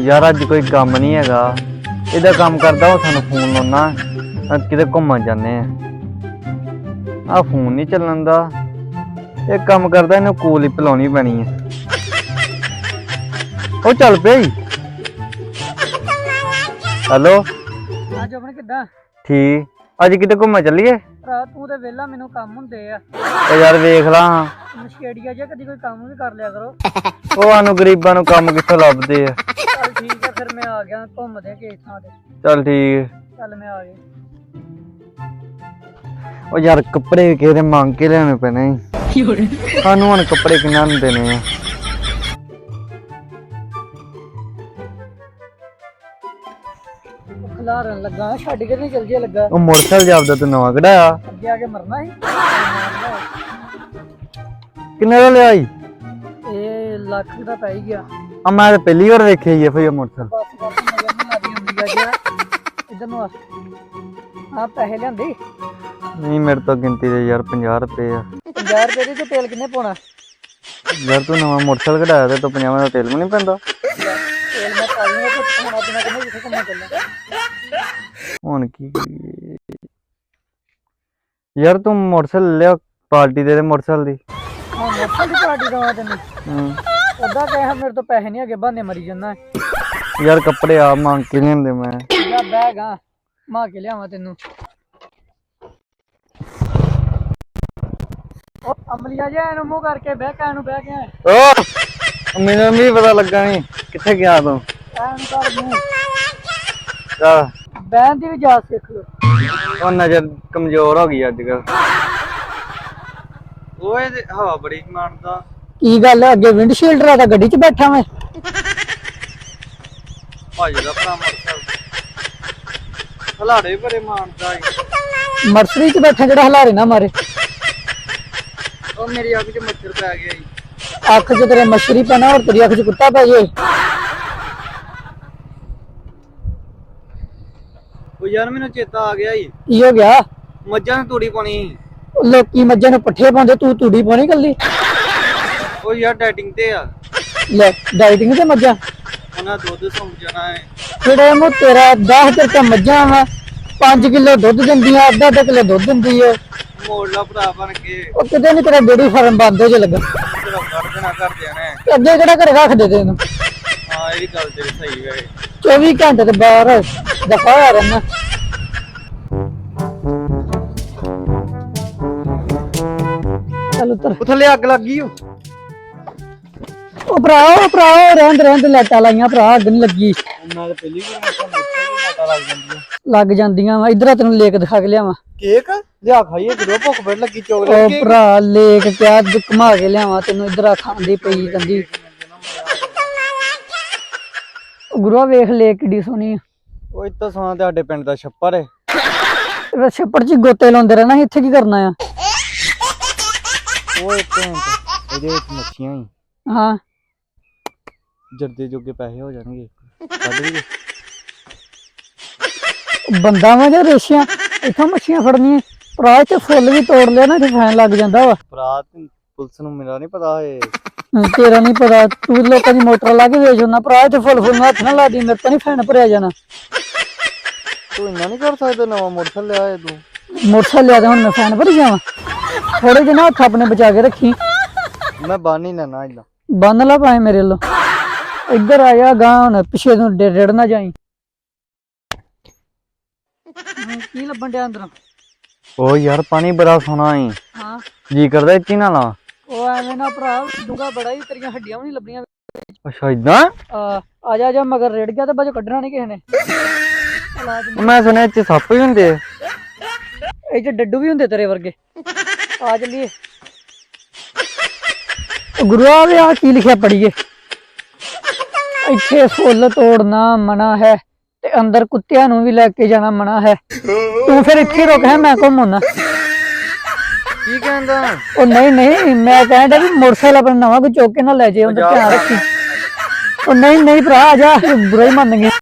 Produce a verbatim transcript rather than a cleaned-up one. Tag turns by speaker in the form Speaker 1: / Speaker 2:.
Speaker 1: यार अज कोई कम नहीं हैगा इहदा काम करदा वो सानू फोन लाउना किते घूमन जाने आ फोन नहीं चलन दा एक काम करदा इन्हू कूल ही पिलाउणी पैनी है ओ चल पे हेलो
Speaker 2: ਅੱਜ ਆਪਣੇ ਕਿੱਦਾਂ
Speaker 1: ठीक अज किते घूमन चलीए
Speaker 2: ਭਰਾ ਤੂੰ ਤੇ ਵਿਹਲਾ ਮੈਨੂੰ ਕੰਮ ਹੁੰਦੇ ਆ
Speaker 1: ओ यार वेख ला
Speaker 2: ਨਸ਼ੇੜੀਆ ਜੇ ਕਦੀ ਕੋਈ ਕੰਮ ਵੀ ਕਰ ਲਿਆ ਕਰੋ
Speaker 1: ओ सानू गरीबां नू काम कित्थों लभदे आ
Speaker 2: ਚੱਲ ਠੀਕ ਆ ਫਿਰ ਮੈਂ ਆ ਗਿਆ ਘੁੰਮਦੇ ਕਿਸੇ ਥਾਂ ਤੇ
Speaker 1: चल ठीक
Speaker 2: ਚੱਲ ਮੈਂ ਆ ਗਿਆ
Speaker 1: ओ यार कपड़े किसे मांग के लेने पैने सानू हुण कपड़े किन्ना देने आ
Speaker 2: ਖਲਾਰਨ ਲੱਗਾ ਛੱਡ ਕੇ ਨਹੀਂ ਚੱਲ ਜੇ ਲੱਗਾ
Speaker 1: ओ मोटरसाइकिल जापदा तू नवां कढाया
Speaker 2: ਅੱਗੇ ਆ ਕੇ ਮਰਨਾ ਸੀ
Speaker 1: किन्ने दा लिया
Speaker 2: ਇਹ ਲੱਖ ਦਾ ਪੈ ਹੀ ਗਿਆ
Speaker 1: आ मैं तो पहली बार देखे ही है भैया मोटरसाइकिल
Speaker 2: ਬਸ ਬਸ ਮਗਰ ਨਹੀਂ ਆਦੀ ਹੁੰਦੀ ਆ ਗਿਆ ਇਧਰ ਨੂੰ ਆ ਹਾਂ ਪੈਸੇ ਲਿਆਂਦੇ
Speaker 1: नहीं मेरे तो गिनती दे यार पचास रुपए आ
Speaker 2: ਪੰਜਾਹ ਰੁਪਏ ਦੀ ਤੇ ਤੇਲ ਕਿੰਨੇ ਪਾਉਣਾ
Speaker 1: यार तू नवां मोटरसाइकिल कढाया ते तो पचास दा तेल भी नहीं पैंदा
Speaker 2: ਤੇਲ ਮੈਂ ਪਾ ਲੂੰਗਾ ਤੇ ਖਾਣਾ ਪੀਣਾ ਕਿੰਨੇ ਜਿੱਥੇ ਘੁੰਮਣ ਚੱਲਣਾ
Speaker 1: हुण की करिए यार तू मोटरसाइकिल लिया पार्टी दे दे मोटरसाइकिल दी
Speaker 2: ਹਾਂ ਮੋਟਰ ਦੀ ਪਾਰਟੀ ਦਵਾ ਤੈਨੂੰ
Speaker 1: हम्म
Speaker 2: ਉਦਾਂ ਕਹਿਆ ਮੇਰੇ ਤੋਂ ਪੈਸੇ ਨਹੀਂ ਹੈਗੇ ਬਹਾਨੇ ਮਰੀ ਜਾਂਦਾ
Speaker 1: यार कपड़े आ मांग के लेंदे मैं
Speaker 2: ਜਾ ਬੈਗ ਆ ਮਾ ਕੇ ਲਿਆਵਾਂ ਤੈਨੂੰ ਉਹ ਅਮਲੀਆ ਜਿਹਾ ਇਹਨੂੰ ਮੂੰਹ ਕਰਕੇ ਬਹਿ ਕੇ ਇਹਨੂੰ ਬਹਿ ਕੇ
Speaker 1: ओ मैनू भी पता लगा नहीं किथे गया तू
Speaker 2: ਇਹਨੂੰ ਕਰ ਮੂੰਹ
Speaker 1: चल
Speaker 2: ਬਹਿਣ ਦੀ ਵੀ ਜਾਚ ਸਿੱਖ ਲੋ
Speaker 1: ओ नजर कमजोर हो गई अजकल ओए हवा बड़ी मारदा
Speaker 2: ਕੀ ਗੱਲ ਹੈ ਅੱਗੇ ਵਿੰਡਸ਼ੀਲਡ ਰਾ ਤਾਂ ਗੱਡੀ 'ਚ ਬੈਠਾ ਮੈਂ
Speaker 1: ਭਾਜੀ ਦਾ ਭਰਾ ਮੋਟਰਸਾਈਕਲ ਹਲਾੜੇ ਭਰੇ ਮਾਰਦਾ ਈ
Speaker 2: ਮਰਸਰੀ 'ਚ ਬੈਠਾ ਜਿਹੜਾ ਹਲਾਰੇ ਨਾ ਮਾਰੇ
Speaker 1: ਉਹ ਮੇਰੀ ਅੱਖ 'ਚ ਮੱਛਰ ਪੈ ਗਿਆ ਈ
Speaker 2: ਅੱਖ 'ਚ ਤੇਰੇ ਮੱਛਰੀ ਪੈਣਾ ਔਰ ਤੇਰੀ ਅੱਖ 'ਚ ਕੁੱਤਾ ਪੈ ਜੇ
Speaker 1: ਉਹ ਯਾਰ ਮੈਨੂੰ ਚੇਤਾ ਆ ਗਿਆ ਈ
Speaker 2: ਕੀ ਹੋ ਗਿਆ
Speaker 1: ਮੱਝਾਂ ਨੂੰ ਤੂੜੀ ਪਾਣੀ
Speaker 2: ਲੋਕੀ ਮੱਝਾਂ ਨੂੰ ਪੱਠੇ ਪਾਉਂਦੇ ਤੂੰ ਤੂੜੀ ਪਾਉਣੀ ਕੱਲੀ
Speaker 1: ਉਹ ਯਾਰ ਡਾਈਟਿੰਗ ਤੇ ਆ
Speaker 2: ਲੈ ਡਾਈਟਿੰਗ ਤੇ ਮੱਝਾਂ
Speaker 1: ਉਹਨਾਂ ਦੁੱਧ ਸੌਂ ਜਾਣਾ ਹੈ
Speaker 2: ਜਿਹੜੇ ਮੂੰ ਤੇਰਾ ਦਸ ਤੇ ਮੱਝਾਂ ਵਾ ਪੰਜ ਕਿਲੋ ਦੁੱਧ ਦਿੰਦੀਆਂ ਅੱਧਾ ਅੱਧਾ ਕਿਲੋ ਦੁੱਧ ਦਿੰਦੀ ਏ
Speaker 1: ਮੋੜ ਲਾ ਭਰਾ ਬਣ ਕੇ
Speaker 2: ਉਹ ਕਿਤੇ ਨੀ ਤੇਰਾ ਡੇਰੀ ਫਾਰਮ ਬੰਦ ਹੋ ਜੇ ਲੱਗਾ
Speaker 1: ਤੇਰਾ ਕੱਢ ਦੇਣਾ ਕਰ ਦੇਣਾ
Speaker 2: ਤੇ ਅੱਗੇ ਕਿਹੜਾ ਘਰੇ ਰੱਖ ਦੇ ਤੈਨੂੰ
Speaker 1: ਹਾਂ ਇਹ ਗੱਲ ਤੇਰੀ ਸਹੀ ਹੈ
Speaker 2: ਚੌਵੀ ਘੰਟੇ ਤੇ ਬਾਹਰ ਦਫਾ ਹੋਇਆ ਰਹਿਣਾ ਚੱਲ ਉੱਤਰ
Speaker 1: ਉਹ ਥੱਲੇ ਅੱਗ ਲੱਗ ਗਈ ਉਹ
Speaker 2: ਉਹ ਭਰਾ ਉਹ ਭਰਾ ਉਹ ਰਹਿੰਦ ਰਹਿੰਦ ਲਾਈਟਾਂ ਲਾਈਆਂ ਭਰਾ ਅੱਗ ਨੀ ਲੱਗੀ
Speaker 1: ਮੈਂ ਤਾਂ ਪਹਿਲੀ ਵਾਰ ਮੱਛਾਂ ਮੋਟਾ ਲੱਗ ਜਾਂਦੀ
Speaker 2: ਲੱਗ ਜਾਂਦੀਆਂ ਵਾ ਇਧਰ ਤੈਨੂੰ ਲੇਕ ਦਿਖਾ ਕੇ ਲਿਆਵਾਂ
Speaker 1: ਕੇਕ ਲਿਆ ਖਾਈਏ ਜਦੋਂ ਭੁੱਖ ਬੜ ਲੱਗੀ
Speaker 2: ਉਹ
Speaker 1: ਚੋਕਲੇਟ
Speaker 2: ਭਰਾ ਲੇਕ ਕਿਆ ਘੁਮਾ ਕੇ ਲਿਆਵਾਂ ਤੈਨੂੰ ਇਧਰ ਖਾਂਦੀ ਪਈ ਕੰਦੀ ਗੁਰੂਆ ਵੇਖ ਲੇਕ ਕਿੱਡੀ ਸੋਹਣੀ ਆ
Speaker 1: ਉਹ ਇੱਥੇ ਸੋਨਾ ਤੇ ਸਾਡੇ ਪਿੰਡ ਦਾ ਛੱਪਰ ਹੈ
Speaker 2: ਇਹ ਛੱਪੜ ਚ ਗੋਤੇ ਲਾਉਂਦੇ ਰਹਿਣਾ ਸੀ, ਇੱਥੇ ਕੀ ਕਰਨਾ ਆ
Speaker 1: ਉਹ ਇੱਕ ਇਹਦੇ ਵਿੱਚ ਮੱਛੀਆਂ ਹੀ
Speaker 2: ਹਾਂ
Speaker 1: ਜਰਦੇ ਜੋਗੇ ਪੈਸੇ ਹੋ ਜਾਣਗੇ ਕੱਢ ਲਈਏ
Speaker 2: ਬੰਦਾ ਵਾ ਜਾਂ ਰੇਸ਼ੀਆਂ ਇੱਥੋਂ ਮੱਛੀਆਂ ਫੜਨੀਆਂ ਭਰਾ ਤੇ ਫੁੱਲ ਵੀ ਤੋੜ ਲਿਆ ਨਾ ਤੇ ਫੈਨ ਲੱਗ ਜਾਂਦਾ ਵਾ
Speaker 1: ਭਰਾ ਪੁਲਿਸ ਨੂੰ ਮੇਰਾ ਨਹੀਂ ਪਤਾ ਏ
Speaker 2: ਤੇਰਾ ਨਹੀਂ ਪਤਾ ਤੂੰ ਲੋਕਾਂ ਦੀ ਮੋਟਰ ਲਾ ਕੇ ਵੇਚ ਹੁੰਦਾ ਭਰਾ ਤੇ ਫੁੱਲ ਫੁੱਲ ਨੂੰ ਹੱਥ ਨਾ ਲਾ ਦੀ ਮੇਰੇ ਤੋਂ ਨਹੀਂ ਫੈਨ ਭਰਿਆ ਜਾਣਾ
Speaker 1: ਤੂੰ ਇੰਨਾ ਨਹੀਂ ਕਰ ਸਕਦਾ ਨਵਾਂ ਮੋਟਰਸਾਈਕਲ ਲਿਆ ਏ ਤੂੰ
Speaker 2: ਮੋਟਰਸਾਈਕਲ ਲਿਆ ਤੇ ਹੁਣ ਮੈਂ ਫੈਨ ਭਰ ਜਾਵਾਂ ਥੋੜੇ ਜਿਹੇ ਨਾ ਹੱਥ ਆਪਣੇ ਬਚਾ ਕੇ ਰੱਖੀ
Speaker 1: ਮੈਂ ਬੰਨ ਹੀ ਲੈਣਾ ਇਦਾਂ
Speaker 2: ਬੰਨ ਲਾ ਪਾਏ ਮੇਰੇ ਵੱਲੋਂ ਇੱਧਰ ਆਇਆ ਗਾਂ ਹੁਣ ਪਿੱਛੇ ਨੂੰ ਰੇੜ ਨਾ ਜਾਈ ਕੀ ਲੱਭਣ ਡਿਆ ਅੰਦਰੋਂ
Speaker 1: ਉਹ ਯਾਰ ਪਾਣੀ ਬੜਾ ਸੋਹਣਾ ਈ
Speaker 2: ਹਾਂ
Speaker 1: ਜੀ ਕਰਦਾ ਇੱਥੇ ਨਾ ਲਾ
Speaker 2: ਉਹ ਐਵੇਂ ਨਾ ਭਰਾ ਡੂੰਗਾ ਬੜਾ ਹੀ ਤੇਰੀਆਂ ਹੱਡੀਆਂ ਵੀ ਨਹੀਂ ਲੱਭਣੀਆਂ
Speaker 1: ਅੱਛਾ ਇਦਾਂ
Speaker 2: ਆ ਆ ਜਾ ਜਾ ਮਗਰ ਰੇੜ ਗਿਆ ਤੇ ਬਾਜੋ ਕੱਢਣਾ ਨਹੀਂ ਕਿਸੇ ਨੇ
Speaker 1: ਮੈਂ ਸੁਣਿਆ ਇੱਥੇ ਸੱਪ ਵੀ ਹੁੰਦੇ ਆ
Speaker 2: ਇਹ ਚ ਡੱਡੂ ਵੀ ਹੁੰਦੇ ਤੇਰੇ ਵਰਗੇ ਆ ਚੱਲੀਏ ਗੁਰੂਆ ਵੇ ਆ ਕੀ ਲਿਖਿਆ ਪੜੀਏ ਇੱਥੇ ਫੁੱਲ ਤੋੜਨਾ ਮਨਾ ਹੈ ਤੇ ਅੰਦਰ ਕੁੱਤਿਆਂ ਨੂੰ ਵੀ ਲੈ ਕੇ ਜਾਣਾ ਮਨਾ ਹੈ ਤੂੰ ਫਿਰ ਇੱਥੇ ਰੁਕ ਹੈ ਮੈਂ ਘੁੰਮਣਾ
Speaker 1: ਕੀ ਕਹਿੰਦਾ
Speaker 2: ਉਹ ਨਹੀਂ ਨਹੀਂ ਮੈਂ ਕਹਿੰਦਾ ਵੀ ਮੋਟਰਸਾਈਕਲ ਆਪਣਾ ਨਵਾਂ ਕੋਈ ਚੁੱਕ ਕੇ ਨਾ ਲੈ ਜੇ ਉਹਦਾ ਧਿਆਨ ਰੱਖੀ ਉਹ ਨਹੀਂ ਨਹੀਂ ਭਰਾ ਆ ਜਾ ਬੁਰਾ ਹੀ ਮੰਨ ਗਿਆ